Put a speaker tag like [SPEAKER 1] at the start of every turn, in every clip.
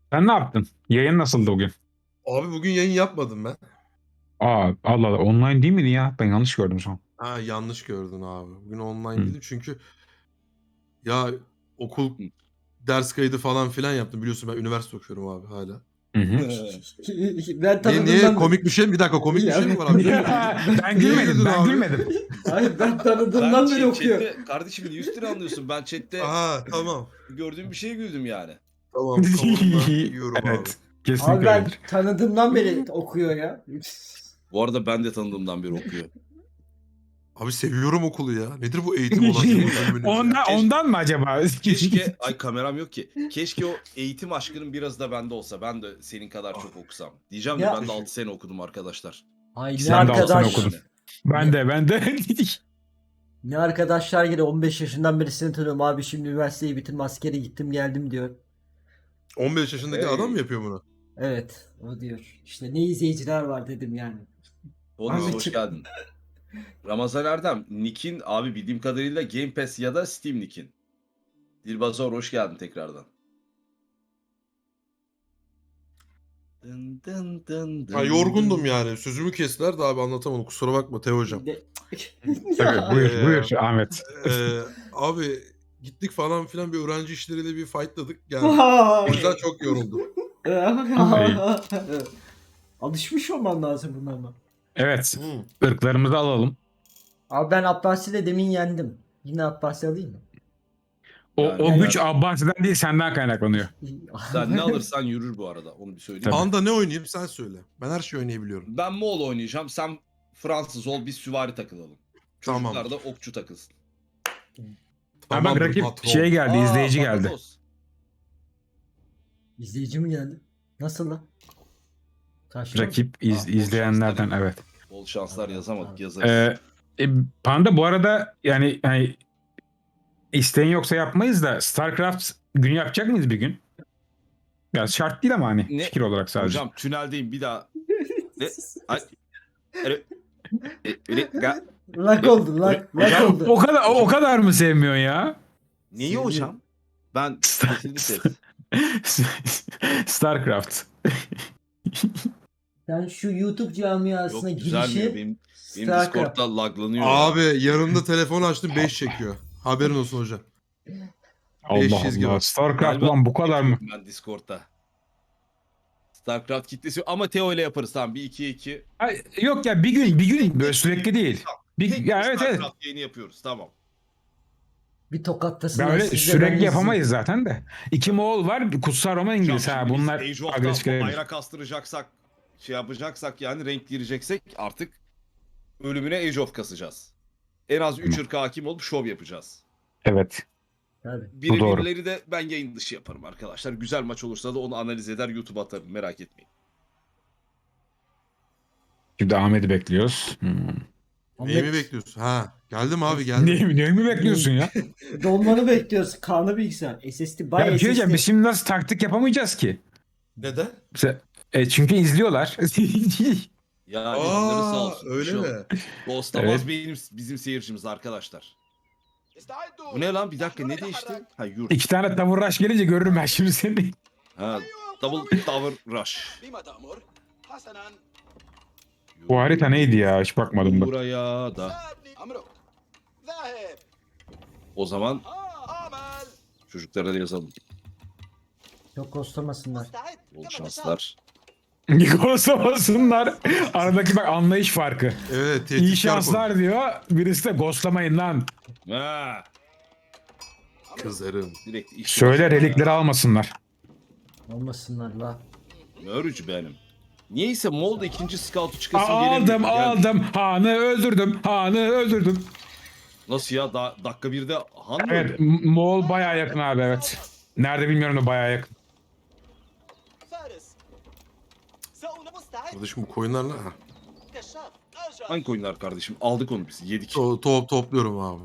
[SPEAKER 1] Sen ne yaptın? Yayın nasıldı bugün?
[SPEAKER 2] Abi bugün yayın yapmadım ben.
[SPEAKER 1] Aa, Allah Allah, online değil miydi ya? Ben yanlış gördüm son.
[SPEAKER 2] Ha, yanlış gördün abi. Bugün online
[SPEAKER 1] Hı.
[SPEAKER 2] değildim çünkü ya okul
[SPEAKER 3] Hı.
[SPEAKER 2] ders kaydı falan filan yaptım. Biliyorsun ben üniversite okuyorum abi hala.
[SPEAKER 1] Hı hı.
[SPEAKER 4] Ben
[SPEAKER 2] Niye
[SPEAKER 4] tanıdığımdan...
[SPEAKER 2] komik bir şey mi? Bir dakika, komik bir şey mi var abi?
[SPEAKER 1] Ben
[SPEAKER 2] Niye
[SPEAKER 1] gülmedim,
[SPEAKER 2] güldün
[SPEAKER 1] ben
[SPEAKER 2] abi?
[SPEAKER 1] gülmedim.
[SPEAKER 4] Hayır, ben tanıdığımdan beri okuyor.
[SPEAKER 3] chatte, kardeşim niye üstüne anlıyorsun? Ben chatte
[SPEAKER 2] Aha, tamam.
[SPEAKER 3] gördüğüm bir şeye güldüm yani.
[SPEAKER 2] Tamam, kavundan yiyorum abi.
[SPEAKER 1] Evet,
[SPEAKER 4] Abi
[SPEAKER 1] kesinlikle
[SPEAKER 4] ben
[SPEAKER 1] öyledir.
[SPEAKER 4] tanıdığımdan beri okuyor ya.
[SPEAKER 3] Bu arada ben de tanıdığımdan biri okuyor.
[SPEAKER 2] Abi seviyorum okulu ya. Nedir bu eğitim olan şey bölümünüz ya?
[SPEAKER 1] Ondan mı acaba?
[SPEAKER 3] Keşke, ay kameram yok ki. Keşke o eğitim aşkının biraz da bende olsa. Ben de senin kadar çok okusam. Diyeceğim de
[SPEAKER 4] Ya-
[SPEAKER 3] ben de 6 sene okudum arkadaşlar.
[SPEAKER 4] Ay ne
[SPEAKER 1] Ben de altını
[SPEAKER 4] arkadaş.
[SPEAKER 1] okudum. Ben de.
[SPEAKER 4] Ne arkadaşlar gene 15 yaşından beri seni tanıyorum abi, şimdi üniversiteyi bitirdim, askere gittim geldim diyor.
[SPEAKER 2] 15 yaşındaki
[SPEAKER 3] Hey.
[SPEAKER 2] adam mı yapıyor bunu?
[SPEAKER 4] Evet, o diyor. İşte ne izleyiciler var dedim yani.
[SPEAKER 3] Bonus
[SPEAKER 4] Abi
[SPEAKER 3] hoş
[SPEAKER 4] çık-
[SPEAKER 3] geldin. Ramazan Erdem, Nick'in abi bildiğim kadarıyla Game Pass ya da Steam Nick'in. Dilbazor hoş geldin tekrardan. Dın dın dın
[SPEAKER 2] Ha,
[SPEAKER 3] dın
[SPEAKER 2] yorgundum
[SPEAKER 3] dın.
[SPEAKER 2] yani. Sözümü kestiler de abi anlatamadım. Kusura bakma Teo hocam.
[SPEAKER 4] De-
[SPEAKER 1] Tabii, buyur Ahmet.
[SPEAKER 2] Abi gittik falan filan, bir öğrenci işleriyle bir fightladık. Yani o yüzden çok yoruldum.
[SPEAKER 4] Alışmış olman lazım buna ama.
[SPEAKER 1] Evet,
[SPEAKER 2] Hı.
[SPEAKER 1] ırklarımızı alalım.
[SPEAKER 4] Abi ben Abbasi'yle demin yendim. Yine Abbasi alayım mı?
[SPEAKER 1] O
[SPEAKER 3] Yani
[SPEAKER 1] güç Abbasi'den değil, senden kaynaklanıyor.
[SPEAKER 3] sen ne alırsan yürür bu arada. Onu bir söyleyeyim.
[SPEAKER 1] Tabii.
[SPEAKER 2] Anda ne oynayayım sen söyle. Ben her şeyi oynayabiliyorum.
[SPEAKER 3] Ben Moğol oynayacağım. Sen Fransız ol. Biz süvari takılalım. Çocuklar
[SPEAKER 2] Tamam.
[SPEAKER 3] da okçu takılsın.
[SPEAKER 1] Ha bak,
[SPEAKER 2] Tamamdır
[SPEAKER 1] rakip
[SPEAKER 2] patron.
[SPEAKER 1] şey geldi, izleyici geldi.
[SPEAKER 3] Bakasos.
[SPEAKER 4] İzleyici mi geldi? Nasıl lan? Karşıma mı?
[SPEAKER 1] Rakip
[SPEAKER 3] bol
[SPEAKER 1] izleyenlerden,
[SPEAKER 3] şanslar.
[SPEAKER 1] evet.
[SPEAKER 3] Bol şanslar yazamadık.
[SPEAKER 4] Tamam.
[SPEAKER 3] Yazarız.
[SPEAKER 1] Panda bu arada yani isteğin yoksa yapmayız da StarCraft günü yapacak mıyız bir gün? Ya şart değil ama hani
[SPEAKER 3] Ne?
[SPEAKER 1] fikir olarak sadece.
[SPEAKER 3] Hocam tüneldeyim bir daha. Ne? Ay.
[SPEAKER 4] Lak oldu, lak
[SPEAKER 3] Hocam,
[SPEAKER 4] oldu.
[SPEAKER 1] O kadar mı sevmiyorsun ya?
[SPEAKER 3] Neyi
[SPEAKER 4] Seviyorum.
[SPEAKER 3] hocam? Ben kesinlikle.
[SPEAKER 1] StarCraft.
[SPEAKER 4] Sen şu YouTube camiasına
[SPEAKER 3] Yok düzelmiyor.
[SPEAKER 4] girişi
[SPEAKER 3] Benim
[SPEAKER 4] StarCraft.
[SPEAKER 3] Discord'da laglanıyor.
[SPEAKER 2] Abi yanımda telefon açtım 5 çekiyor. Haberin olsun hocam.
[SPEAKER 1] Allah
[SPEAKER 2] 5 çizgi
[SPEAKER 1] Allah.
[SPEAKER 2] var.
[SPEAKER 1] StarCraft
[SPEAKER 3] Galiba
[SPEAKER 1] ulan bu kadar mı?
[SPEAKER 3] yapıyorum ben Discord'da. StarCraft kitlesi ama Teo ile yaparız tamam bir 2'ye 2.
[SPEAKER 1] Ay, yok ya, bir gün böyle sürekli değil. Ya evet.
[SPEAKER 3] StarCraft yayını yapıyoruz tamam.
[SPEAKER 4] Bir tokatlasınlar
[SPEAKER 1] Ben öyle
[SPEAKER 4] siz de, ben
[SPEAKER 1] sürekli
[SPEAKER 4] izleyeyim.
[SPEAKER 1] yapamayız zaten de. İki Moğol var, Kutsal Roma İngiliz.
[SPEAKER 3] Hocam
[SPEAKER 1] Ha,
[SPEAKER 3] şimdi biz
[SPEAKER 1] bunlar
[SPEAKER 3] Age of'ta
[SPEAKER 1] agresif gelebilir.
[SPEAKER 3] bayrak astıracaksak şey yapacaksak yani renk gireceksek artık ölümüne Age of kasacağız. En az 3 ırka hakim olup şov yapacağız.
[SPEAKER 1] Evet.
[SPEAKER 4] Tabii.
[SPEAKER 1] Bu doğru.
[SPEAKER 3] Birebirleri de ben yayın dışı yaparım arkadaşlar. Güzel maç olursa da onu analiz eder YouTube'a atarım merak etmeyin.
[SPEAKER 1] Şimdi Ahmet'i bekliyoruz.
[SPEAKER 2] Neyi mi bekliyorsun? Ha, geldim abi geldim.
[SPEAKER 1] Ne mi bekliyorsun ya?
[SPEAKER 4] Dolmanı bekliyoruz. Kanlı bilgisayar. SSD
[SPEAKER 1] Ya
[SPEAKER 4] bay
[SPEAKER 1] bir şey diyeceğim,
[SPEAKER 4] SSD.
[SPEAKER 1] biz şimdi nasıl taktik yapamayacağız ki?
[SPEAKER 2] Neden?
[SPEAKER 1] Çünkü izliyorlar.
[SPEAKER 3] Ya canları sağ
[SPEAKER 2] Aa,
[SPEAKER 3] olsun.
[SPEAKER 2] öyle
[SPEAKER 3] Bir şey
[SPEAKER 2] mi?
[SPEAKER 3] olmaz. Ghostlamaz
[SPEAKER 1] Evet.
[SPEAKER 3] bizim seyircimiz arkadaşlar. Bu ne lan bir dakika ne değişti? Ha yurt.
[SPEAKER 1] İki tane tavır rush gelince görürüm ben şimdi seni.
[SPEAKER 3] Ha double tower rush.
[SPEAKER 1] Bu harita neydi ya? Hiç bakmadım bak.
[SPEAKER 3] Buraya da. O zaman çocuklara da yazalım.
[SPEAKER 4] Çok kostamasınlar.
[SPEAKER 3] Bol şanslar.
[SPEAKER 1] Ghostlamasınlar. Aradaki bak anlayış farkı.
[SPEAKER 2] Evet,
[SPEAKER 1] İyi
[SPEAKER 2] tehditkar
[SPEAKER 1] şanslar diyor. Birisi de ghostlamayın lan.
[SPEAKER 3] Ha,
[SPEAKER 2] konu. Kızarım.
[SPEAKER 3] direkt iş
[SPEAKER 1] Söyle, relikleri almasınlar.
[SPEAKER 4] Olmasınlar la.
[SPEAKER 3] Mörücü benim. Niyeyse Moğol'da ikinci scout'u çıkasım gelemiyor.
[SPEAKER 1] Aldım. Han'ı öldürdüm.
[SPEAKER 3] Nasıl ya? Dakika 1'de Han mı
[SPEAKER 1] Evet,
[SPEAKER 3] öldü?
[SPEAKER 1] Moğol bayağı yakın abi, evet. Nerede bilmiyorum da bayağı yakın.
[SPEAKER 2] Kardeşim bu koyunlarla ha.
[SPEAKER 3] Hangi oyunlar kardeşim? Aldık onu biz. Yedik.
[SPEAKER 2] Topluyorum abi.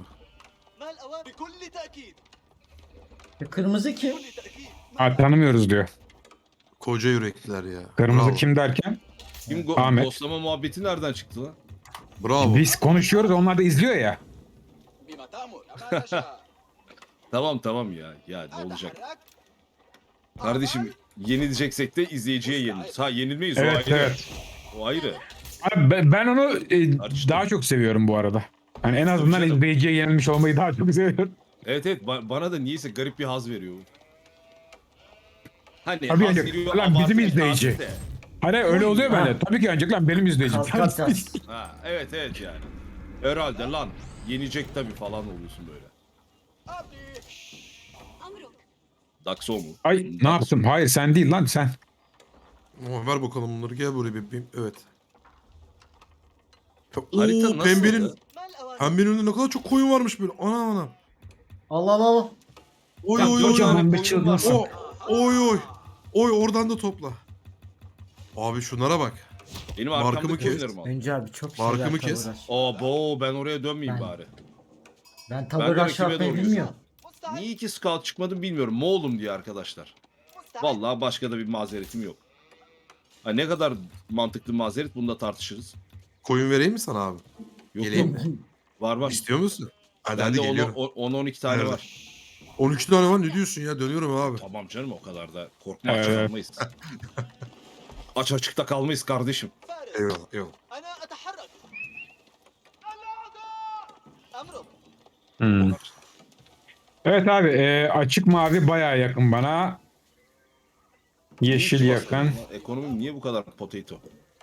[SPEAKER 4] Kırmızı kim?
[SPEAKER 1] Ha, tanımıyoruz diyor.
[SPEAKER 2] Koca yürekliler ya.
[SPEAKER 1] Kırmızı
[SPEAKER 2] Bravo.
[SPEAKER 1] kim derken?
[SPEAKER 3] Kim
[SPEAKER 1] Ahmet.
[SPEAKER 3] ghostlama muhabbeti nereden çıktı lan?
[SPEAKER 2] Bravo.
[SPEAKER 1] Biz konuşuyoruz, onlar da izliyor ya.
[SPEAKER 3] Tamam ya. Ya ne olacak? Kardeşim Yenileceksek de izleyiciye yeniliriz. Ha yenilmeyiz o
[SPEAKER 1] Evet
[SPEAKER 3] ayrı.
[SPEAKER 1] evet.
[SPEAKER 3] O ayrı.
[SPEAKER 1] Abi ben onu
[SPEAKER 3] Tartıştım.
[SPEAKER 1] daha çok seviyorum bu arada. Yani en
[SPEAKER 3] Tabii
[SPEAKER 1] azından
[SPEAKER 3] canım.
[SPEAKER 1] izleyiciye yenilmiş olmayı daha çok seviyorum.
[SPEAKER 3] Evet evet bana da niyeyse garip bir haz veriyor. Hani
[SPEAKER 1] Tabii
[SPEAKER 3] haz
[SPEAKER 1] yani,
[SPEAKER 3] veriyor
[SPEAKER 1] lan bizim
[SPEAKER 3] abartı bir
[SPEAKER 1] izleyici.
[SPEAKER 3] tabir de.
[SPEAKER 1] Hani öyle oluyor
[SPEAKER 4] Ha.
[SPEAKER 1] bende. Tabii ki ancak lan benim izleyicim.
[SPEAKER 4] Kas.
[SPEAKER 3] Ha evet evet yani. Herhalde lan yenecek tabii falan oluyorsun böyle. Daxo mu?
[SPEAKER 1] Ay ne yaptım? Hayır sen değil lan sen.
[SPEAKER 2] Oh, ver bakalım bunları. Gel buraya bebeğim. Evet.
[SPEAKER 3] Harita
[SPEAKER 2] Oo,
[SPEAKER 3] nasıldı?
[SPEAKER 2] pembenin önünde ne kadar çok koyun varmış böyle. Ana.
[SPEAKER 4] Allah Allah Allah.
[SPEAKER 2] Oy
[SPEAKER 3] Ya,
[SPEAKER 2] oy oy.
[SPEAKER 3] kocaman
[SPEAKER 2] oy.
[SPEAKER 1] bir
[SPEAKER 3] koyun
[SPEAKER 1] çılgınsın.
[SPEAKER 3] var.
[SPEAKER 2] Oy oy. Oy oradan da topla. Abi şunlara bak.
[SPEAKER 3] Benim
[SPEAKER 2] Markamı
[SPEAKER 3] arkamda
[SPEAKER 2] kes.
[SPEAKER 3] koyunlarım al.
[SPEAKER 4] Önce abi çok
[SPEAKER 2] Markamı
[SPEAKER 4] şeyler
[SPEAKER 2] kes.
[SPEAKER 4] tavır aç.
[SPEAKER 3] Abo ben oraya dönmeyeyim
[SPEAKER 4] Ben-
[SPEAKER 3] bari.
[SPEAKER 4] Ben
[SPEAKER 3] Ben
[SPEAKER 4] tavır
[SPEAKER 3] de
[SPEAKER 4] aşağı
[SPEAKER 3] rakibe
[SPEAKER 4] yapmayı
[SPEAKER 3] doğru
[SPEAKER 4] bilmiyorum.
[SPEAKER 3] Niye iki scout çıkmadım bilmiyorum. Moğolum diye arkadaşlar. Vallahi başka da bir mazeretim yok. Ha, ne kadar mantıklı mazeret bunu da tartışırız.
[SPEAKER 2] Koyun vereyim mi sana abi?
[SPEAKER 3] Yok
[SPEAKER 2] Geleyim
[SPEAKER 3] yok. Var var.
[SPEAKER 2] İstiyor musun? Hadi
[SPEAKER 3] Bende
[SPEAKER 2] geliyorum.
[SPEAKER 3] 10-12 tane
[SPEAKER 2] Nerede?
[SPEAKER 3] var.
[SPEAKER 2] 12 tane var ne diyorsun ya? Dönüyorum abi.
[SPEAKER 3] Tamam canım o kadar da korkma aç
[SPEAKER 1] Evet.
[SPEAKER 3] kalmayız. Aç açıkta kalmayız kardeşim.
[SPEAKER 2] Eyvallah eyvallah.
[SPEAKER 5] أنا أتحرك. أمرك.
[SPEAKER 1] Hmm. Evet abi açık mavi bayağı yakın bana. Yeşil
[SPEAKER 3] Hiç
[SPEAKER 1] yakın.
[SPEAKER 3] basmadım lan. Ekonomim niye bu kadar potato?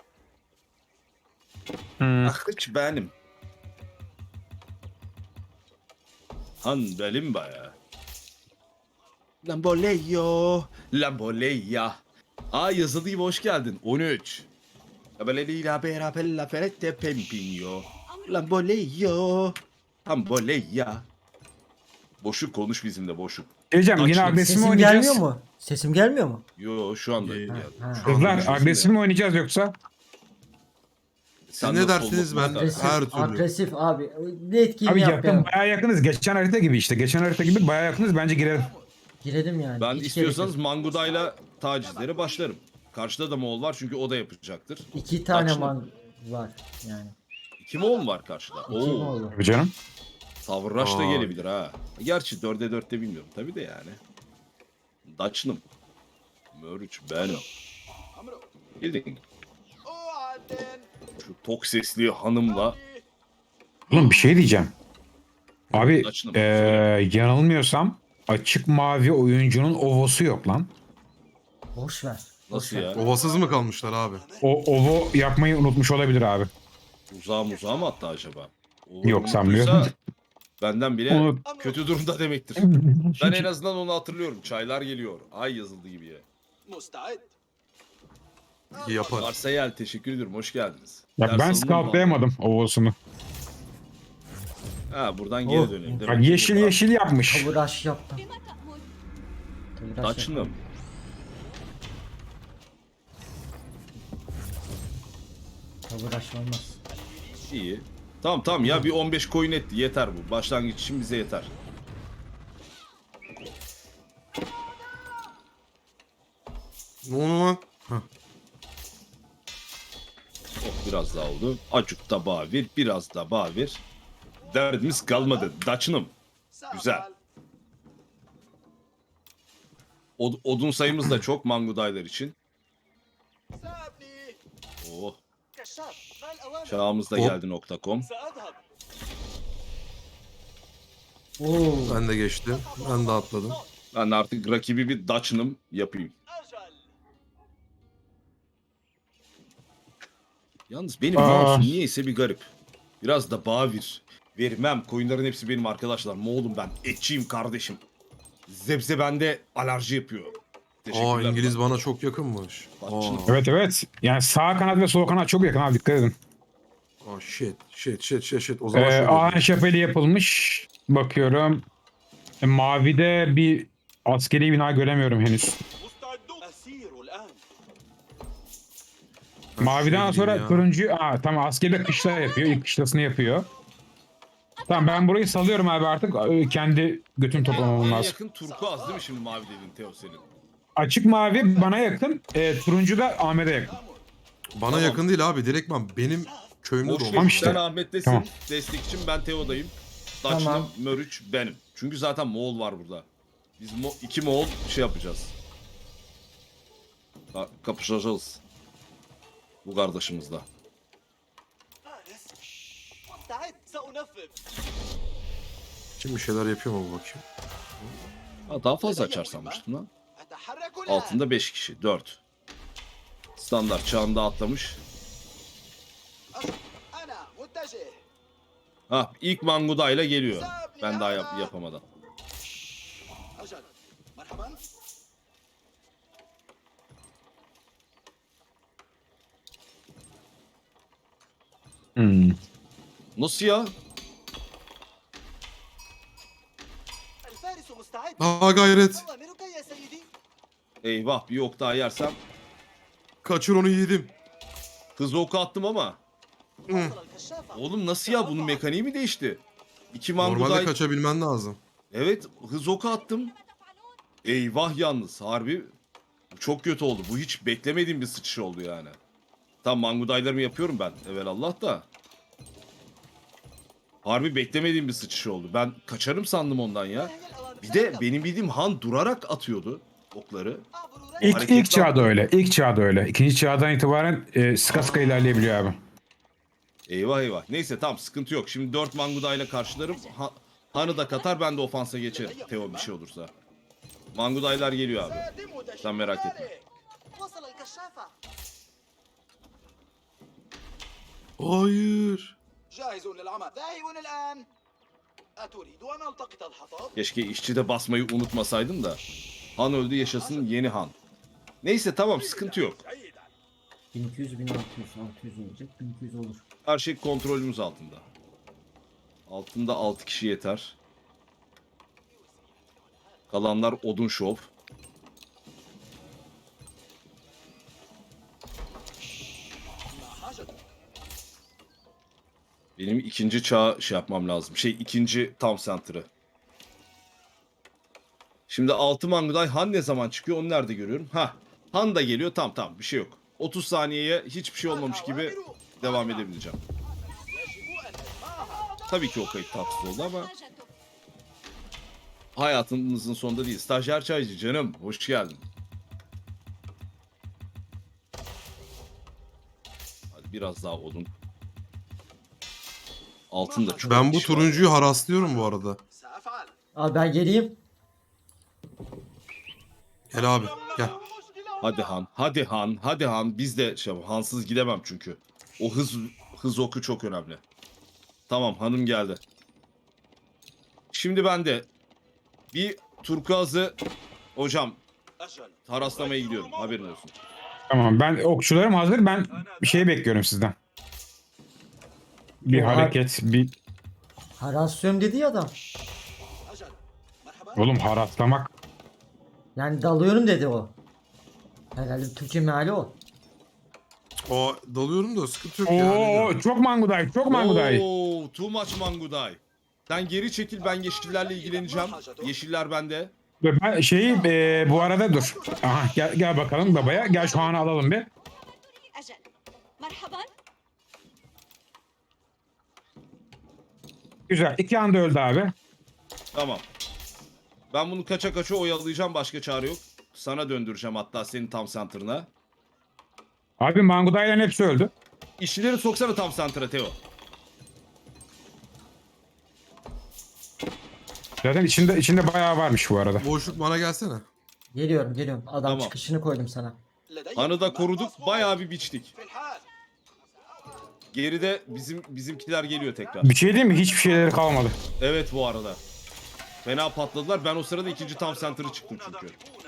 [SPEAKER 1] Hmm.
[SPEAKER 3] Ah hiç benim. Han benim bayağı. Lamboleyo. Lamboleya. Aa yazılı gibi hoş geldin. 13. Lamboleya beraber la ferette pempinyo. Lamboleyo. Lamboleya. Boşuk konuş bizimle boşuk.
[SPEAKER 1] Diyeceğim yine
[SPEAKER 3] Açlık.
[SPEAKER 1] agresif mi
[SPEAKER 4] Sesim
[SPEAKER 1] oynayacağız?
[SPEAKER 4] gelmiyor mu? Sesim gelmiyor mu?
[SPEAKER 3] Yo şu anda.
[SPEAKER 2] İyi.
[SPEAKER 3] geldi.
[SPEAKER 4] Ha.
[SPEAKER 2] Şu anda
[SPEAKER 1] Kızlar
[SPEAKER 2] görüşürüz.
[SPEAKER 1] agresif mi oynayacağız yoksa?
[SPEAKER 3] Sen
[SPEAKER 2] ne
[SPEAKER 3] nasıl
[SPEAKER 2] dersiniz
[SPEAKER 3] olmasın
[SPEAKER 2] ben-
[SPEAKER 3] istersin?
[SPEAKER 2] Her
[SPEAKER 4] Agresif,
[SPEAKER 2] türlü.
[SPEAKER 4] agresif abi. Ne etkinliği
[SPEAKER 1] Abi
[SPEAKER 4] yap
[SPEAKER 1] yakın
[SPEAKER 4] ya.
[SPEAKER 1] bayağı yakınız. Geçen harita gibi işte. Geçen harita gibi bayağı yakınız. Bence girelim.
[SPEAKER 4] Girelim yani.
[SPEAKER 3] Ben
[SPEAKER 4] Hiç
[SPEAKER 3] istiyorsanız
[SPEAKER 4] gerek
[SPEAKER 3] Manguda'yla tacizlere başlarım. Karşıda da Moğol var çünkü o da yapacaktır.
[SPEAKER 4] yok. 2 tane
[SPEAKER 3] Kaçlı?
[SPEAKER 4] man var yani.
[SPEAKER 3] 2 Moğol var karşıda.
[SPEAKER 4] 2 mi
[SPEAKER 3] Oo,
[SPEAKER 4] oldu?
[SPEAKER 1] Tabii canım.
[SPEAKER 3] Savraş da
[SPEAKER 2] Aa.
[SPEAKER 3] gelebilir ha. Gerçi 4'e 4'te bilmiyorum tabii de yani. Daçnım. Mörüç benim. Bildin.
[SPEAKER 5] أوعدن.
[SPEAKER 3] Şu tok sesli hanımla
[SPEAKER 1] Oğlum bir şey diyeceğim. Abi
[SPEAKER 3] Açın.
[SPEAKER 1] yanılmıyorsam açık mavi oyuncunun ovosu yok lan.
[SPEAKER 4] Boş ver. Boş
[SPEAKER 3] nasıl
[SPEAKER 4] ver.
[SPEAKER 3] ya?
[SPEAKER 2] Ovasız mı kalmışlar abi?
[SPEAKER 1] O ovo yapmayı unutmuş olabilir abi.
[SPEAKER 3] Uzağa mı attı acaba? O
[SPEAKER 1] Yok,
[SPEAKER 3] unuttuysa
[SPEAKER 1] sanmıyorum.
[SPEAKER 3] Benden bile
[SPEAKER 1] Unut.
[SPEAKER 3] kötü durumda demektir. Ben en azından onu hatırlıyorum. Çaylar geliyor. Ay yazıldı gibi ya.
[SPEAKER 5] مستعد.
[SPEAKER 2] İyi yapar.
[SPEAKER 3] Varsayel teşekkür ediyorum. Hoş geldiniz.
[SPEAKER 1] Ya
[SPEAKER 3] Ders
[SPEAKER 1] ben
[SPEAKER 3] alınır mı?
[SPEAKER 1] scoutlayamadım ovosunu.
[SPEAKER 3] Ha buradan geri
[SPEAKER 4] Oh.
[SPEAKER 3] dönelim.
[SPEAKER 1] Bak yeşil yeşil yapmış.
[SPEAKER 4] Tavır aş yaptım. Tavır aş
[SPEAKER 3] Daçnım.
[SPEAKER 4] yaptım. Tavır aş olmaz.
[SPEAKER 3] İyi. Tamam ya bir 15 coin etti. Yeter bu. Başlangıç için bize yeter.
[SPEAKER 2] Ne oldu lan? Hah.
[SPEAKER 3] Oh biraz daha oldu. Acık da bavir, biraz da bavir. Derdimiz kalmadı. Daçnım. Güzel. Odun sayımız da çok mangudaylar için.
[SPEAKER 5] سأبني.
[SPEAKER 3] Oh.
[SPEAKER 5] كشاف. ما الأوامر؟
[SPEAKER 3] Çağımız da
[SPEAKER 2] Hop.
[SPEAKER 3] geldi .com.
[SPEAKER 5] سأذهب.
[SPEAKER 4] Oo.
[SPEAKER 2] Ben de geçtim. Ben de atladım.
[SPEAKER 3] Ben artık rakibi bir Daçnım yapayım.
[SPEAKER 5] أجل.
[SPEAKER 3] Yalnız benim
[SPEAKER 1] Aa.
[SPEAKER 3] mouse'um niyeyse bir garip. Biraz da bavir. Vermem. Koyunların hepsi benim arkadaşlar. Moğolum ben. Etçiyim kardeşim. Zebze bende alerji yapıyor.
[SPEAKER 2] Aa İngiliz bana çok yakınmış.
[SPEAKER 3] Bakçın.
[SPEAKER 2] Aa,
[SPEAKER 1] Evet evet. Yani sağ kanat ve sol kanat çok yakın abi dikkat edin.
[SPEAKER 2] aa shit. O zaman şöyle.
[SPEAKER 1] Ağaç şapeli yapılmış. Bakıyorum. Mavide bir askeri bina göremiyorum henüz.
[SPEAKER 5] مستعدون. أسير الآن.
[SPEAKER 2] Ben
[SPEAKER 1] Maviden
[SPEAKER 2] şuraya
[SPEAKER 1] sonra
[SPEAKER 2] gideyim ya.
[SPEAKER 1] turuncu... Aa tamam askeri de kışla yapıyor. İlk kışlasını yapıyor. Tamam ben burayı salıyorum abi artık. Kendi götüm toplamam
[SPEAKER 3] En
[SPEAKER 1] lazım.
[SPEAKER 3] yakın turkuaz değil mi şimdi mavi dedin Teo senin?
[SPEAKER 1] Açık mavi bana yakın. Turuncu da Ahmet'e yakın.
[SPEAKER 2] Bana
[SPEAKER 3] Tamam.
[SPEAKER 2] yakın değil abi. Direktman benim köyümde
[SPEAKER 3] Boş
[SPEAKER 2] doğmuş.
[SPEAKER 3] ver.
[SPEAKER 1] işte.
[SPEAKER 3] Sen Ahmet'tesin.
[SPEAKER 1] Tamam.
[SPEAKER 3] Destekçim ben Teo'dayım. Daçnım,
[SPEAKER 4] Tamam.
[SPEAKER 3] Mörüç benim. Çünkü zaten Moğol var burada. Biz iki Moğol şey yapacağız. Kapışacağız. Bu kardeşimizle.
[SPEAKER 5] فارس مستعد سأنفذ.
[SPEAKER 2] Şimdi bir şeyler yapıyor mu bu bakayım?
[SPEAKER 3] Ha, daha fazla açar sanmıştım lan.
[SPEAKER 5] أتحرك الآن.
[SPEAKER 3] Altında 5 kişi. 4. Standart çağında atlamış.
[SPEAKER 5] أنا متجه.
[SPEAKER 3] Ha, ilk Manguda ile geliyor. Ben daha yapamadan.
[SPEAKER 5] أجل. مرحبا.
[SPEAKER 3] Nasıl ya?
[SPEAKER 5] الفارس مستعد.
[SPEAKER 2] Aa gayret.
[SPEAKER 5] أوامرك يا سيدي.
[SPEAKER 3] Eyvah, bir ok daha yersem.
[SPEAKER 2] Kaçır onu yiğidim.
[SPEAKER 3] Hız oku attım ama.
[SPEAKER 5] وصل الكشافة.
[SPEAKER 3] Oğlum nasıl ya? Bunun mekaniği mi değişti? 2
[SPEAKER 2] Normalde
[SPEAKER 3] Manguday.
[SPEAKER 2] kaçabilmen lazım.
[SPEAKER 3] Evet, hız oku attım. Eyvah yalnız harbi. Bu çok kötü oldu. Bu hiç beklemediğim bir sıçış oldu yani. Tam Mangudaylarımı yapıyorum ben. Evelallah da. Harbi beklemediğim bir sıçış oldu. Ben kaçarım sandım ondan ya.
[SPEAKER 5] ما هي الأوامر؟
[SPEAKER 3] Bir de
[SPEAKER 5] سأبدأ.
[SPEAKER 3] benim bildiğim Han durarak atıyordu okları.
[SPEAKER 5] أعبر
[SPEAKER 1] İlk,
[SPEAKER 5] رأسي.
[SPEAKER 1] ilk çağda öyle. İlk çağda öyle. İkinci çağdan itibaren sıka sıka ilerleyebiliyor abi.
[SPEAKER 3] Eyvah eyvah. Neyse tamam, sıkıntı yok. Şimdi 4 Mangudayla karşılarım. Han'ı da katar, ben de ofansa geçerim. Teo bir şey olursa. Mangudaylar geliyor abi.
[SPEAKER 5] سأتم
[SPEAKER 3] Sen merak etme.
[SPEAKER 5] ذلك. وصل الكشافة.
[SPEAKER 2] Hayır.
[SPEAKER 5] جاهز للعمل. ذاهب الآن. أتريد أن ألتقط الحطب؟
[SPEAKER 3] Keşke işçi de basmayı unutmasaydım da. Han öldü, yaşasın yeni Han. Neyse tamam, sıkıntı yok.
[SPEAKER 4] 1200, 1600, 600 olacak. 1200 olur.
[SPEAKER 3] Her şey kontrolümüz altında. Altında 6 kişi yeter. Kalanlar odun şov.
[SPEAKER 5] ما حاجتك؟
[SPEAKER 3] Benim ikinci çağ şey yapmam lazım. İkinci tam center'ı. Şimdi 6 Manguday Han ne zaman çıkıyor, onu nerede görüyorum? Ha, Han da geliyor, tamam bir şey yok. 30 saniyeye hiçbir şey olmamış gibi devam edebileceğim.
[SPEAKER 5] يجب أن نجمعها.
[SPEAKER 3] Tabii ki o kayıt tatsız oldu ama hayatınızın sonunda değil. Stajyer çaycı canım, hoş geldin. Hadi biraz daha odun. Altın da çok
[SPEAKER 2] Ben bu
[SPEAKER 3] kişi var.
[SPEAKER 2] turuncuyu haraslıyorum bu arada.
[SPEAKER 5] سأفعل.
[SPEAKER 4] Abi ben geleyim.
[SPEAKER 2] Gel abi gel.
[SPEAKER 3] Hadi Han, hadi Han, hadi Han. Biz de Hansız gidemem çünkü. O hız oku çok önemli. Tamam, hanım geldi. Şimdi ben de bir turkuazı hocam
[SPEAKER 5] أجل.
[SPEAKER 3] haraslamaya gidiyorum. Haberin olsun.
[SPEAKER 1] Tamam, ben okçularım hazır. Ben bir şey bekliyorum sizden. Bir
[SPEAKER 4] Oha.
[SPEAKER 1] hareket, bir...
[SPEAKER 4] Harasyon dedi ya adam.
[SPEAKER 5] أجل. مرحبا.
[SPEAKER 1] Oğlum haraslamak.
[SPEAKER 4] Yani dalıyorum dedi o. Herhalde Türkçe meali o.
[SPEAKER 2] O dalıyorum da sıkıntı yok ya.
[SPEAKER 1] Oo, çok Manguday, çok Manguday.
[SPEAKER 3] Oo, too much Manguday. Sen geri çekil, ben yeşillerle ilgileneceğim. Yeşiller bende.
[SPEAKER 1] Ben bu arada dur. Aha, gel bakalım babaya. Gel şu anı alalım bir.
[SPEAKER 6] أجل مرحبا.
[SPEAKER 1] Güzel. 2 anda öldü abi.
[SPEAKER 3] Tamam. Ben bunu kaça kaça oyalayacağım, başka çare yok. Sana döndüreceğim hatta, senin tam center'ına.
[SPEAKER 1] Abi Mangudayların hepsi öldü.
[SPEAKER 3] İşçileri soksana tam center'a Teo.
[SPEAKER 1] Zaten içinde bayağı varmış bu arada.
[SPEAKER 2] Boşluk bana gelsene.
[SPEAKER 4] Geliyorum. Adam
[SPEAKER 3] Tamam.
[SPEAKER 4] çıkışını koydum sana.
[SPEAKER 5] لدي
[SPEAKER 3] Hanı da
[SPEAKER 5] مهمة
[SPEAKER 3] koruduk,
[SPEAKER 5] مصمومة.
[SPEAKER 3] bayağı bir biçtik.
[SPEAKER 5] في الحال.
[SPEAKER 3] Geride bizimkiler geliyor tekrar.
[SPEAKER 1] Bir şey diyeyim mi? Hiçbir şeyleri kalmadı.
[SPEAKER 3] Evet bu arada. Fena patladılar. Ben o sırada ikinci tam center'ı çıktım çünkü.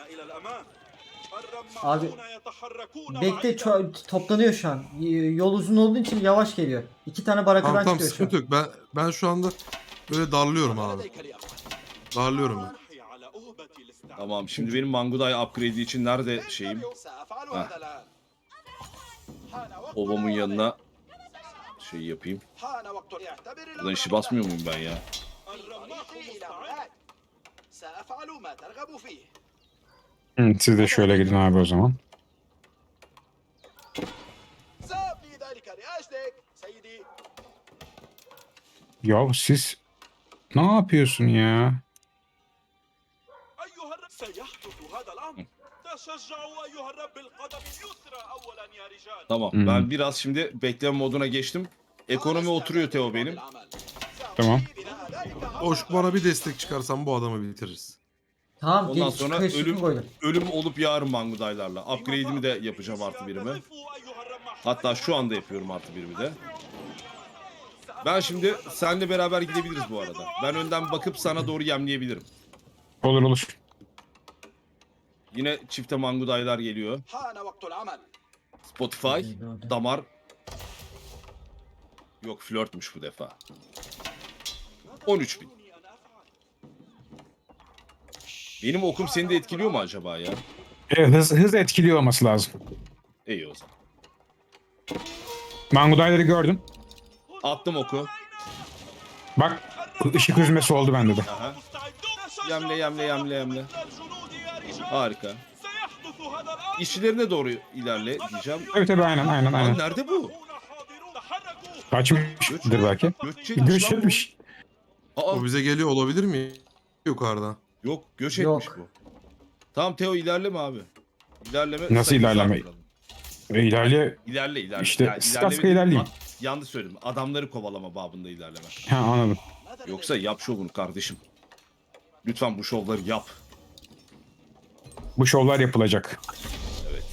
[SPEAKER 4] Abi bekle toplanıyor şu an. Yol uzun olduğu için yavaş geliyor. 2 tane barakadan
[SPEAKER 2] Tamam
[SPEAKER 4] çıkıyor şu an.
[SPEAKER 2] sıkıntı yok. Ben şu anda böyle darlıyorum abi.
[SPEAKER 5] لديك لياقة.
[SPEAKER 2] Darlıyorum ben.
[SPEAKER 5] على أهبة الاستعداد.
[SPEAKER 3] Tamam, şimdi benim Manguday upgrade'i için nerede şeyim?
[SPEAKER 5] سأفعل
[SPEAKER 3] ها.
[SPEAKER 5] هذا الآن. حان وقت
[SPEAKER 3] Obamın
[SPEAKER 5] العودة.
[SPEAKER 3] yanına şey yapayım.
[SPEAKER 5] حان وقت يعتبر
[SPEAKER 3] Buradan işi basmıyor muyum ben ya?
[SPEAKER 5] طريقي إلى هناك. سأفعل ما ترغب فيه.
[SPEAKER 1] Siz de şöyle gidin abi o zaman.
[SPEAKER 5] سأبني ذلك لأجلك سيدي.
[SPEAKER 1] Ya siz ne yapıyorsun ya?
[SPEAKER 5] أيها سيحدث هذا الأمر.
[SPEAKER 3] Tamam.
[SPEAKER 1] Hmm.
[SPEAKER 3] Ben biraz şimdi bekleme moduna geçtim. Ekonomi oturuyor Teo benim.
[SPEAKER 1] Tamam.
[SPEAKER 2] Hoş, bana bir destek çıkarsan bu adamı bitiririz.
[SPEAKER 4] Tamam
[SPEAKER 3] Ondan
[SPEAKER 4] geç
[SPEAKER 3] sonra
[SPEAKER 4] kayışını koydum.
[SPEAKER 3] ölüm olup yarın Mangudaylarla. Upgrade'imi de yapacağım artı birimi. Hatta şu anda yapıyorum artı birimi de. Ben şimdi seninle beraber gidebiliriz bu arada. Ben önden bakıp sana doğru yemleyebilirim.
[SPEAKER 1] Olur olur.
[SPEAKER 3] Yine çifte Mangudaylar geliyor.
[SPEAKER 5] حان وقت العمل.
[SPEAKER 3] Spotify, damar. Yok flörtmüş bu defa. 13.000. Benim okum seni de etkiliyor mu acaba ya?
[SPEAKER 1] Evet, hız etkiliyor olması lazım.
[SPEAKER 3] İyi o zaman.
[SPEAKER 1] Mangudayları gördüm.
[SPEAKER 3] Attım oku.
[SPEAKER 1] Bak ışık hüzmesi oldu bende de.
[SPEAKER 3] Aha. Yemle. Harika. İşçilerine doğru ilerle diyeceğim.
[SPEAKER 1] Tabii aynen.
[SPEAKER 3] Lan nerede bu?
[SPEAKER 1] Kaçmıştır belki.
[SPEAKER 3] Göç etmiş
[SPEAKER 1] Göç
[SPEAKER 3] lan bu.
[SPEAKER 1] etmiş.
[SPEAKER 3] Aa,
[SPEAKER 2] O bize geliyor olabilir mi? Yukarıda.
[SPEAKER 3] yok göç
[SPEAKER 4] Yok.
[SPEAKER 3] etmiş bu. Tamam Teo ilerleme abi. İlerleme.
[SPEAKER 1] Nasıl
[SPEAKER 3] sayı
[SPEAKER 1] ilerleme?
[SPEAKER 3] arttıralım.
[SPEAKER 1] İlerle.
[SPEAKER 3] İlerle.
[SPEAKER 1] İşte
[SPEAKER 3] Yani
[SPEAKER 1] sıska
[SPEAKER 3] ilerleme
[SPEAKER 1] ilerleyeyim.
[SPEAKER 3] değil, yanlış söyledim. Adamları kovalama babında ilerleme.
[SPEAKER 1] Ha, anladım.
[SPEAKER 3] Yoksa yap şovunu kardeşim. Lütfen bu şovları yap.
[SPEAKER 1] Bu şovlar yapılacak.
[SPEAKER 3] Evet.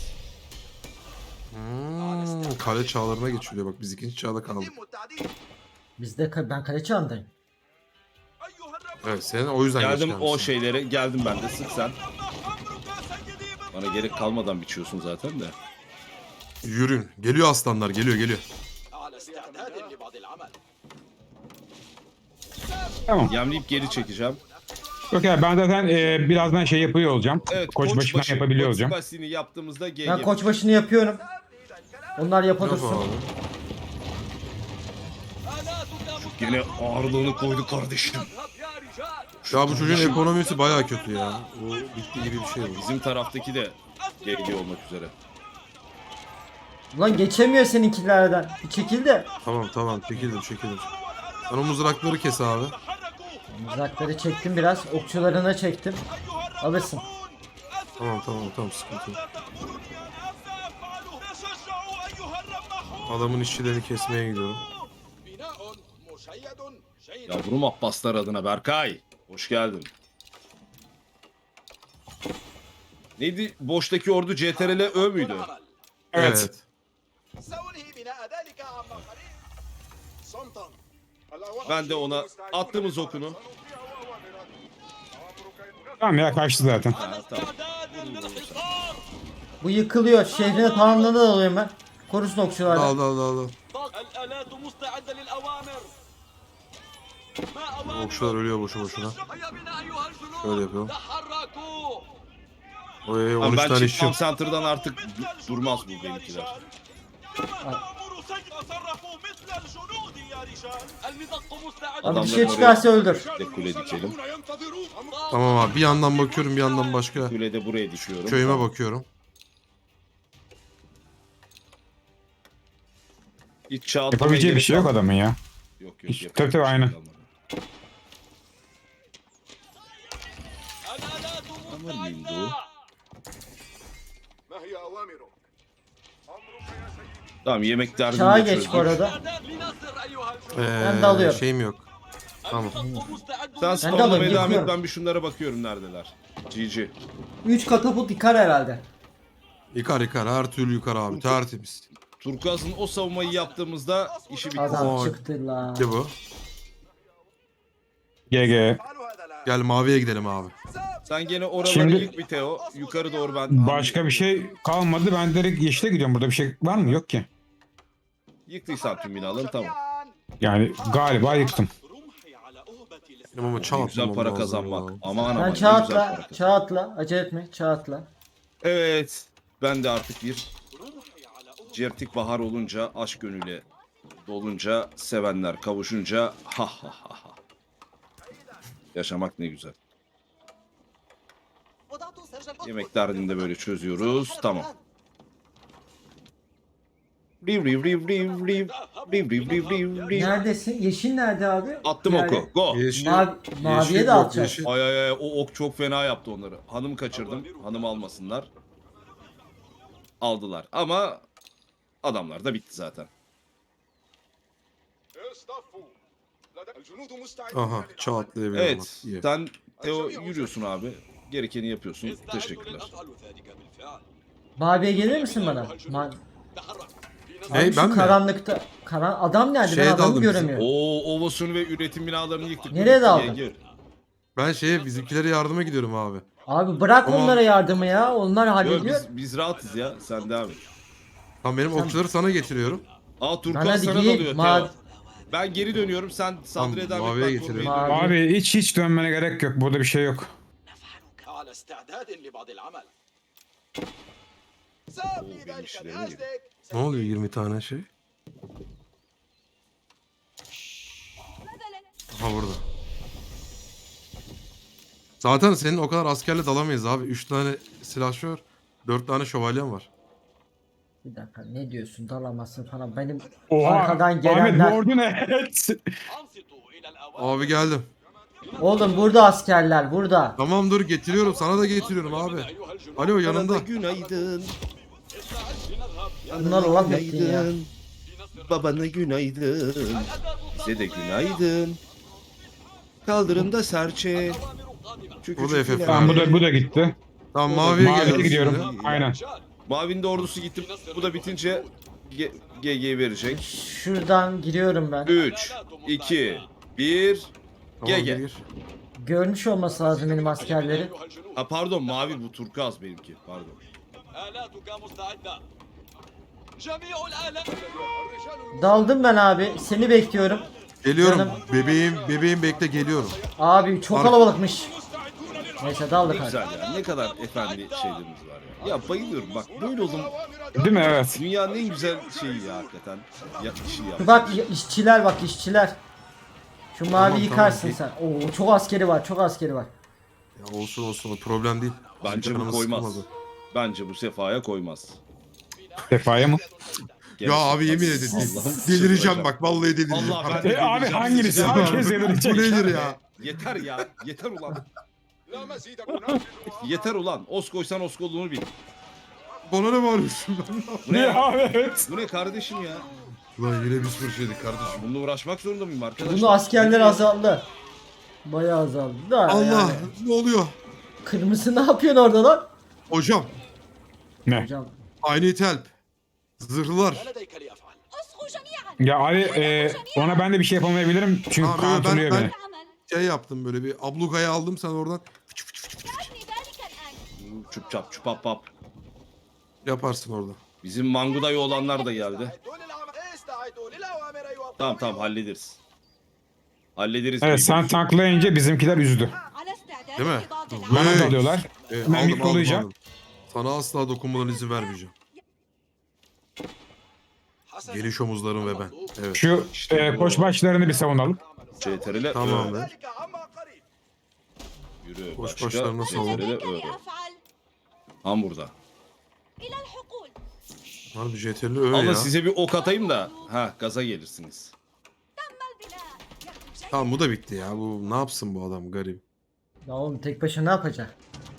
[SPEAKER 2] Kale çağlarına geçiliyor, bak biz ikinci çağda kaldık.
[SPEAKER 5] يتم التعديل.
[SPEAKER 4] Ben kale çağındayım.
[SPEAKER 2] Evet, senin o yüzden geç
[SPEAKER 3] Geldim o
[SPEAKER 2] gelmişsin.
[SPEAKER 3] şeylere. Geldim ben de. Sık sen. Bana gerek kalmadan biçiyorsun zaten de.
[SPEAKER 2] Yürün. Geliyor aslanlar, geliyor.
[SPEAKER 5] على استعداد لبعض العمل.
[SPEAKER 1] Tamam.
[SPEAKER 3] Yemleyip geri çekeceğim.
[SPEAKER 1] Yok ya ben zaten birazdan şey yapıyor olacağım.
[SPEAKER 3] Evet.
[SPEAKER 1] Koçbaşı'ndan yapabiliyor olacağım.
[SPEAKER 3] Koçbaşı'nı yaptığımızda GG.
[SPEAKER 4] Ben koçbaşını yapıyorum. Onlar
[SPEAKER 2] Yap
[SPEAKER 4] yapabilirsin.
[SPEAKER 2] abi.
[SPEAKER 3] Yine ağırlığını koydu kardeşim.
[SPEAKER 2] Ya bu çocuğun ekonomisi baya kötü ya. O bitti gibi bir şey bu.
[SPEAKER 3] Bizim taraftaki de GG olmak üzere.
[SPEAKER 4] Ulan geçemiyor seninkilerden. Bir çekil de.
[SPEAKER 2] Tamam, çekildim. Sen o mızrakları kes abi.
[SPEAKER 4] Mızrakları çektim biraz. Okçularına çektim. Alırsın.
[SPEAKER 2] Tamam, sıkıntı yok. Adamın işçilerini kesmeye gidiyorum.
[SPEAKER 5] بناء مشيد جيد.
[SPEAKER 3] Yavrum Abbaslar adına Berkay. Hoş geldin. Neydi? Boştaki ordu CTRL Ö müydü?
[SPEAKER 1] Evet.
[SPEAKER 5] سأنهي بناء ذلك عما قريب. صمتا.
[SPEAKER 3] Ben de ona attığımız okunu.
[SPEAKER 1] Tamam ya kaçtı zaten.
[SPEAKER 3] Ha, tamam.
[SPEAKER 4] Bu yıkılıyor. Şehrine tamamlandı da alıyorum ben. Korusun okçularla.
[SPEAKER 2] Dal.
[SPEAKER 5] الآلات مستعدة للأوامر.
[SPEAKER 2] Okçular ölüyor boşu boşuna.
[SPEAKER 5] هيا بنا أيها الجنود.
[SPEAKER 2] Şöyle yapıyorum.
[SPEAKER 5] تحركوا.
[SPEAKER 2] Oy,
[SPEAKER 3] Abi
[SPEAKER 2] 13
[SPEAKER 3] ben
[SPEAKER 2] tane
[SPEAKER 3] Chief
[SPEAKER 2] işçi.
[SPEAKER 3] Farm Center'dan artık durmaz bu benimkiler.
[SPEAKER 4] Abi bir şey
[SPEAKER 3] Adamların
[SPEAKER 4] çıkarsa öldür.
[SPEAKER 3] De kule dikelim.
[SPEAKER 2] Tamam abi, bir yandan bakıyorum, bir yandan başka
[SPEAKER 3] Kule de buraya dikiyorum.
[SPEAKER 2] köyüme
[SPEAKER 3] Tamam.
[SPEAKER 2] bakıyorum.
[SPEAKER 3] Hiç çağ atlamaya
[SPEAKER 1] Yapabileceği bir
[SPEAKER 3] gerek
[SPEAKER 1] şey yok
[SPEAKER 3] kalmadı.
[SPEAKER 1] adamın ya.
[SPEAKER 3] Yok
[SPEAKER 1] Hiç-
[SPEAKER 3] yapabileceği
[SPEAKER 1] tabii,
[SPEAKER 3] bir şey
[SPEAKER 1] aynen.
[SPEAKER 3] kalmadı. Aman Lindo.
[SPEAKER 5] ما هي أوامرك؟
[SPEAKER 3] Tamam yemek derdini
[SPEAKER 4] Çağa
[SPEAKER 3] de
[SPEAKER 4] geç
[SPEAKER 3] çözdük.
[SPEAKER 4] bu arada.
[SPEAKER 5] لنصر أيها الجنود.
[SPEAKER 4] Ben de alıyorum.
[SPEAKER 2] Şeyim yok. Tamam.
[SPEAKER 3] Sen
[SPEAKER 4] de
[SPEAKER 3] spamlamaya
[SPEAKER 4] alıyorum,
[SPEAKER 3] devam et,
[SPEAKER 4] yıkıyorum.
[SPEAKER 3] ben bir şunlara bakıyorum neredeler. GG.
[SPEAKER 4] 3 katapult yıkar herhalde.
[SPEAKER 2] Yıkar, her türlü yıkar abi, tertemiz.
[SPEAKER 3] Turkuaz'ın o savunmayı yaptığımızda işi bitti.
[SPEAKER 4] Adam
[SPEAKER 2] Oy.
[SPEAKER 4] çıktı lan.
[SPEAKER 2] Ne bu?
[SPEAKER 1] GG.
[SPEAKER 5] افعلوا هذا الآن.
[SPEAKER 2] Gel maviye gidelim abi.
[SPEAKER 3] Sen gene oraları
[SPEAKER 1] Şimdi-
[SPEAKER 3] yık bir Teo. Yukarı doğru ben...
[SPEAKER 1] Başka bir şey kalmadı. Ben direkt yeşile gidiyorum. Burada bir şey var mı? Yok ki.
[SPEAKER 3] Yıktıysan tüm binaları tamam.
[SPEAKER 1] Yani galiba yıktım.
[SPEAKER 5] رمحي على أهبة
[SPEAKER 2] Benim ama çağ
[SPEAKER 3] Ne güzel
[SPEAKER 2] atmam
[SPEAKER 3] para
[SPEAKER 2] lazım
[SPEAKER 3] kazanmak.
[SPEAKER 2] ya.
[SPEAKER 3] Aman aman
[SPEAKER 4] Sen
[SPEAKER 3] ne güzel
[SPEAKER 4] çağ
[SPEAKER 3] para
[SPEAKER 4] atla.
[SPEAKER 3] kazanmak.
[SPEAKER 4] Çağ atla. Acele etme. Çağ atla.
[SPEAKER 3] Evet. Ben de artık bir
[SPEAKER 5] رمحي على أهبة.
[SPEAKER 3] certik bahar olunca, aşk gönüle dolunca, sevenler kavuşunca ha ha ha ha. Yaşamak ne güzel. Yemek derdini de böyle çözüyoruz. Tamam. Riv riv riv riv riv. Riv riv riv riv riv.
[SPEAKER 4] Neredesin? Yeşil nerede abi?
[SPEAKER 3] Attım
[SPEAKER 4] Yani-
[SPEAKER 3] oku. Go.
[SPEAKER 2] Yeşil,
[SPEAKER 4] Maviye
[SPEAKER 2] yeşil
[SPEAKER 4] de
[SPEAKER 2] yok,
[SPEAKER 4] atacağız.
[SPEAKER 2] yeşil.
[SPEAKER 3] Ay ay ay o ok çok fena yaptı onları. Hanım kaçırdım. Hanım almasınlar. aldılar. Ama adamlar da bitti zaten.
[SPEAKER 2] Aha çağ atlayabilirim.
[SPEAKER 3] Evet. Sen Teo yürüyorsun abi. Gerekeni yapıyorsun. Teşekkürler.
[SPEAKER 4] Mavi'ye gelir misin bana?
[SPEAKER 2] Hey,
[SPEAKER 4] Abi şu
[SPEAKER 2] ben mi?
[SPEAKER 4] karanlıkta. Adam nerede?
[SPEAKER 2] Şeye
[SPEAKER 4] Ben adamı
[SPEAKER 2] daldım bizim.
[SPEAKER 4] göremiyorum.
[SPEAKER 3] Oo, Ovos'unu ve üretim binalarını yıktık.
[SPEAKER 4] Nereye daldın?
[SPEAKER 3] Gel.
[SPEAKER 2] Ben bizimkilere yardıma gidiyorum abi.
[SPEAKER 4] Abi bırak
[SPEAKER 2] Ama-
[SPEAKER 4] onlara yardımı ya. Onlar
[SPEAKER 3] Yok,
[SPEAKER 4] hallediyor.
[SPEAKER 3] biz rahatız ya. Sen devam et.
[SPEAKER 2] Tamam benim okçuları sana getiriyorum.
[SPEAKER 3] Aa
[SPEAKER 4] Lan
[SPEAKER 3] Turkuaz
[SPEAKER 4] hadi
[SPEAKER 3] sana
[SPEAKER 4] giy,
[SPEAKER 3] dalıyor
[SPEAKER 4] ma-
[SPEAKER 3] Teo. Ben geri dönüyorum. Sen saldırı
[SPEAKER 2] Tamam, maviye
[SPEAKER 3] ederekten
[SPEAKER 2] getirelim.
[SPEAKER 3] korumayı
[SPEAKER 4] Mavi.
[SPEAKER 3] dön.
[SPEAKER 1] Abi hiç dönmene gerek yok. Burada bir şey yok.
[SPEAKER 5] على استعداد لبعض العمل سأبني
[SPEAKER 3] benim
[SPEAKER 5] ذلك
[SPEAKER 3] işlerime geliyor.
[SPEAKER 5] بأجلك
[SPEAKER 2] Ne oluyor 20 tane şey?
[SPEAKER 6] مثلا
[SPEAKER 2] Aha burada. Zaten senin o kadar askerle dalamayız abi. 3 tane silahşör, 4 tane şövalyen var.
[SPEAKER 4] Bir dakika ne diyorsun dalamazsın falan. Benim
[SPEAKER 1] Oha.
[SPEAKER 4] arkadan
[SPEAKER 1] Ahmet
[SPEAKER 4] gelenler.
[SPEAKER 1] bu ordu ne?
[SPEAKER 5] أنصتوا إلى الأوامر
[SPEAKER 2] Abi geldim.
[SPEAKER 4] Oğlum burada askerler burada.
[SPEAKER 2] Tamam dur getiriyorum. Sana da getiriyorum abi.
[SPEAKER 5] أيها الجنود
[SPEAKER 2] Alo
[SPEAKER 3] Bana
[SPEAKER 2] yanında.
[SPEAKER 3] da günaydın.
[SPEAKER 5] لنذهب
[SPEAKER 4] Bunlar laf ettin ya.
[SPEAKER 3] Günaydın. Babana günaydın. Size de günaydın. Kaldırımda serçe. Çünkü
[SPEAKER 2] Bu da FF.
[SPEAKER 1] Tamam bu da gitti.
[SPEAKER 2] Tamam maviye
[SPEAKER 1] Maviye
[SPEAKER 2] geliyoruz
[SPEAKER 1] gidiyorum.
[SPEAKER 2] şimdi.
[SPEAKER 1] Aynen.
[SPEAKER 3] Mavinin de ordusu gitti. Bu da bitince GG verecek.
[SPEAKER 4] Şuradan giriyorum ben.
[SPEAKER 3] 3, 2, 1.
[SPEAKER 2] Tamam,
[SPEAKER 3] GG.
[SPEAKER 2] gir.
[SPEAKER 4] Görmüş olması lazım benim askerleri.
[SPEAKER 3] Ha pardon mavi bu turkuaz benimki. Pardon.
[SPEAKER 5] آلاتك مستعدة جميع الآلات
[SPEAKER 4] Daldım ben abi. Seni bekliyorum.
[SPEAKER 2] Geliyorum.
[SPEAKER 4] Canım.
[SPEAKER 2] Bebeğim bekle geliyorum.
[SPEAKER 4] Abi çok kalabalıkmış. Neyse
[SPEAKER 3] Ne
[SPEAKER 4] daldık hadi.
[SPEAKER 3] güzel ya. Ne kadar efendi şeylerimiz var ya. Ya bayılıyorum bak böyle oldum.
[SPEAKER 1] Değil mi? Evet.
[SPEAKER 3] Dünyanın en güzel şeyi ya hakikaten. Ya işi ya.
[SPEAKER 4] Bak işçiler bak işçiler. Şu mavi
[SPEAKER 2] Tamam,
[SPEAKER 4] yıkarsın
[SPEAKER 2] tamam.
[SPEAKER 4] sen. Oo çok askeri var çok askeri var.
[SPEAKER 2] Ya olsun o problem değil.
[SPEAKER 3] Bence
[SPEAKER 2] Bizim
[SPEAKER 3] bu
[SPEAKER 2] canımız
[SPEAKER 3] koymaz.
[SPEAKER 2] sıkılmadı.
[SPEAKER 3] Bence bu sefaya koymaz.
[SPEAKER 1] Sefaya mı?
[SPEAKER 2] Ya abi yemin ederim
[SPEAKER 3] Allah'ım
[SPEAKER 2] delireceğim
[SPEAKER 3] çıldıracağım.
[SPEAKER 2] bak vallahi delireceğim.
[SPEAKER 3] Allah ben de
[SPEAKER 1] Abi
[SPEAKER 3] delireceğim.
[SPEAKER 1] hangisi? Herkes
[SPEAKER 2] Bu
[SPEAKER 1] yedirecek.
[SPEAKER 2] nedir ya?
[SPEAKER 3] Yeter ya. Yeter ulan. Yeter ulan. Os koysan os olduğunu bil.
[SPEAKER 2] Bana ne bağırıyorsun ben?
[SPEAKER 3] Bu ne
[SPEAKER 1] Ne
[SPEAKER 3] ya?
[SPEAKER 1] abi evet.
[SPEAKER 3] Bu ne kardeşim ya?
[SPEAKER 2] Ulan yine biz fırçaydık kardeşim.
[SPEAKER 3] Bununla uğraşmak zorunda mıyım arkadaşlar?
[SPEAKER 4] Bunu askerler azaldı. Bayağı azaldı da
[SPEAKER 2] Allah
[SPEAKER 4] yani.
[SPEAKER 2] ne oluyor?
[SPEAKER 4] Kırmızı ne yapıyorsun orada lan?
[SPEAKER 2] Hocam
[SPEAKER 1] Ne?
[SPEAKER 4] Hocam
[SPEAKER 2] I need help. Zırhlılar.
[SPEAKER 5] ما لديك لأفعل
[SPEAKER 6] اصغوا جميعا.
[SPEAKER 1] Ya abi ona ben de bir şey yapamayabilirim. Çünkü
[SPEAKER 2] Tamam, ben-
[SPEAKER 1] kontrolüyor
[SPEAKER 2] ben-
[SPEAKER 1] beni.
[SPEAKER 6] العمل
[SPEAKER 2] Şey yaptım böyle bir ablukayı aldım sen oradan
[SPEAKER 6] دعني ذلك الآن.
[SPEAKER 3] Çup çap çupap pap.
[SPEAKER 2] yaparsın orada.
[SPEAKER 3] Bizim Manguda'yı olanlar da geldi.
[SPEAKER 5] استعدوا للعمل استعدوا للأوامر أيها
[SPEAKER 3] Tamam
[SPEAKER 5] القوميون.
[SPEAKER 3] tamam hallederiz. Hallederiz.
[SPEAKER 1] Evet sen
[SPEAKER 3] baby.
[SPEAKER 1] tanklayınca bizimkiler üzdü.
[SPEAKER 6] على استعداد
[SPEAKER 2] Değil mi?
[SPEAKER 6] لإضافة
[SPEAKER 2] Vay.
[SPEAKER 1] Bana dalıyorlar. Ben git dolayacağım.
[SPEAKER 2] aldım. Sana asla dokunmadan izin vermeyeceğim.
[SPEAKER 5] حسنا.
[SPEAKER 2] Geniş omuzlarım ve ben. Evet.
[SPEAKER 1] Şu koçbaşlarını bir savunalım.
[SPEAKER 3] CTRL'e
[SPEAKER 2] Tamam
[SPEAKER 3] Ö.
[SPEAKER 2] be.
[SPEAKER 5] ذلك عما قريب
[SPEAKER 3] Yürü.
[SPEAKER 2] Boş
[SPEAKER 3] Başka.
[SPEAKER 2] başlarına sağlık.
[SPEAKER 3] CTRL'e
[SPEAKER 6] لديك
[SPEAKER 3] Ö.
[SPEAKER 6] لأفعل
[SPEAKER 3] Tam burada.
[SPEAKER 6] إلى الحقول.
[SPEAKER 2] Harbi jeterli öyle
[SPEAKER 3] Ama
[SPEAKER 2] ya.
[SPEAKER 3] size bir ok atayım da ha gaza gelirsiniz.
[SPEAKER 6] تم البناء. يكتب شيئا.
[SPEAKER 2] Tamam bu da bitti ya. Bu ne yapsın bu adam garip.
[SPEAKER 4] ya oğlum tek başına ne yapacak?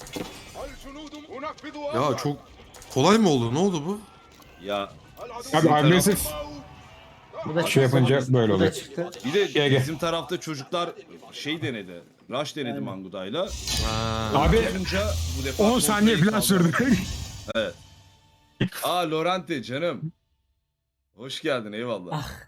[SPEAKER 2] Ya çok kolay mı oldu? Ne oldu bu?
[SPEAKER 3] Ya
[SPEAKER 1] Abi agresif
[SPEAKER 4] Bu da
[SPEAKER 1] şey yapınca böyle
[SPEAKER 4] Bu da
[SPEAKER 1] oluyor.
[SPEAKER 4] çıktı.
[SPEAKER 3] bir de
[SPEAKER 1] GG.
[SPEAKER 3] bizim tarafta çocuklar şey denedi. Rush denedi Manguda'yla.
[SPEAKER 2] Ha.
[SPEAKER 1] Abi
[SPEAKER 3] Olunca bu defa
[SPEAKER 1] 10 saniye
[SPEAKER 3] kontrolü
[SPEAKER 1] falan
[SPEAKER 3] kaldı.
[SPEAKER 1] sürdü.
[SPEAKER 3] Aa Lorente canım. Hoş geldin eyvallah.